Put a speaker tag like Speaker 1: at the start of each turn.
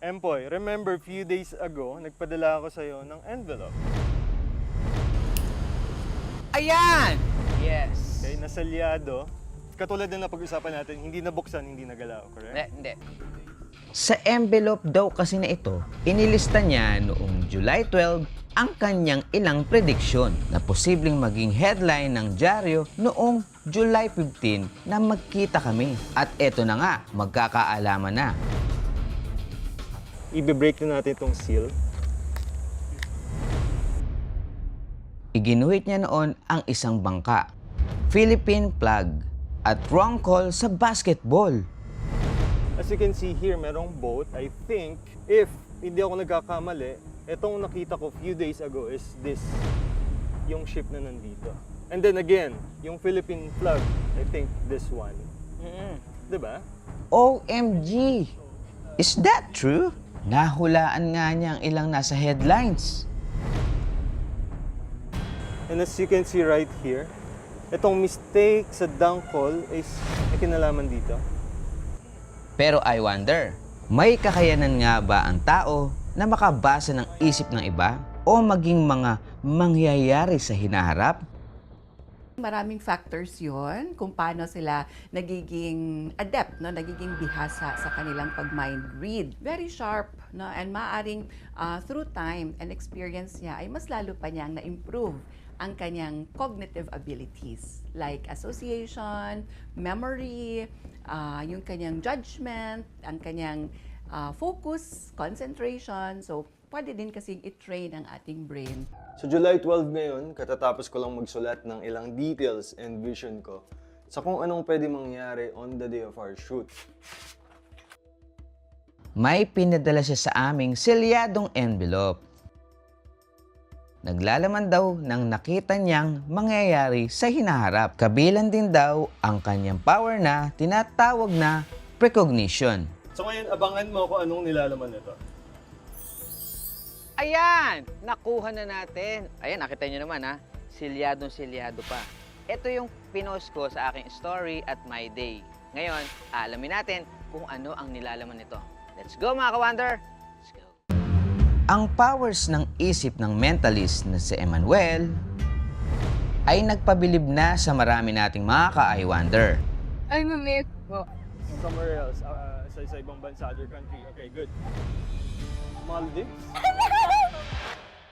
Speaker 1: Empoy, remember few days ago, nagpadala ako sa'yo ng envelope.
Speaker 2: Ayan! Yes.
Speaker 1: Okay, nasalyado. Katulad na napag-usapan natin, hindi nabuksan, hindi nagalaw, correct?
Speaker 2: Hindi.
Speaker 3: Sa envelope daw kasi na ito, inilista niya noong July 12 ang kanyang ilang prediksyon na posibleng maging headline ng dyaryo noong July 15 na magkita kami. At eto na nga, magkakaalaman na.
Speaker 1: I-break na natin itong seal.
Speaker 3: Iginuhit niya noon ang isang bangka, Philippine flag, at wrong call sa basketball.
Speaker 1: As you can see here, merong boat. I think, if hindi ako nagkakamali, itong nakita ko few days ago is this, yung ship na nandito. And then again, yung Philippine flag, I think this one. Diba?
Speaker 3: OMG! Is that true? Nahulaan nga niya ang ilang nasa headlines.
Speaker 1: And as you can see right here, itong mistake sa dunk call is may kinalaman dito.
Speaker 3: Pero I wonder, may kakayanan nga ba ang tao na makabasa ng isip ng iba o maging mga mangyayari sa hinaharap?
Speaker 4: Maraming factors yon kung paano sila nagiging adept, no? Nagiging bihasa sa kanilang pag-mind read. Very sharp, no? And maaring through time and experience niya ay mas lalo pa niyang na-improve ang kanyang cognitive abilities like association, memory, yung kanyang judgment, ang kanyang focus, concentration. So, pwede din kasing i-train ang ating brain.
Speaker 1: So July 12 ngayon, katatapos ko lang magsulat ng ilang details and vision ko sa kung anong pwede mangyari on the day of our shoot.
Speaker 3: May pinadala siya sa aming selyadong envelope. Naglalaman daw ng nakita niyang mangyayari sa hinaharap. Kabilan din daw ang kanyang power na tinatawag na precognition.
Speaker 1: So ngayon, abangan mo kung anong nilalaman nito.
Speaker 2: Ayan! Nakuha na natin. Ayan, nakita nyo naman ha. Silyadong-silyado pa. Ito yung pinost ko sa aking story at my day. Ngayon, aalamin natin kung ano ang nilalaman nito. Let's go mga ka-Wonder! Let's go!
Speaker 3: Ang powers ng isip ng mentalist na si Emmanuel ay nagpabilib na sa marami nating mga ka-I Wonder.
Speaker 5: Ay, mamiss po.
Speaker 1: Somewhere else, sa ibang bansa, other country. Okay, good. Maldives?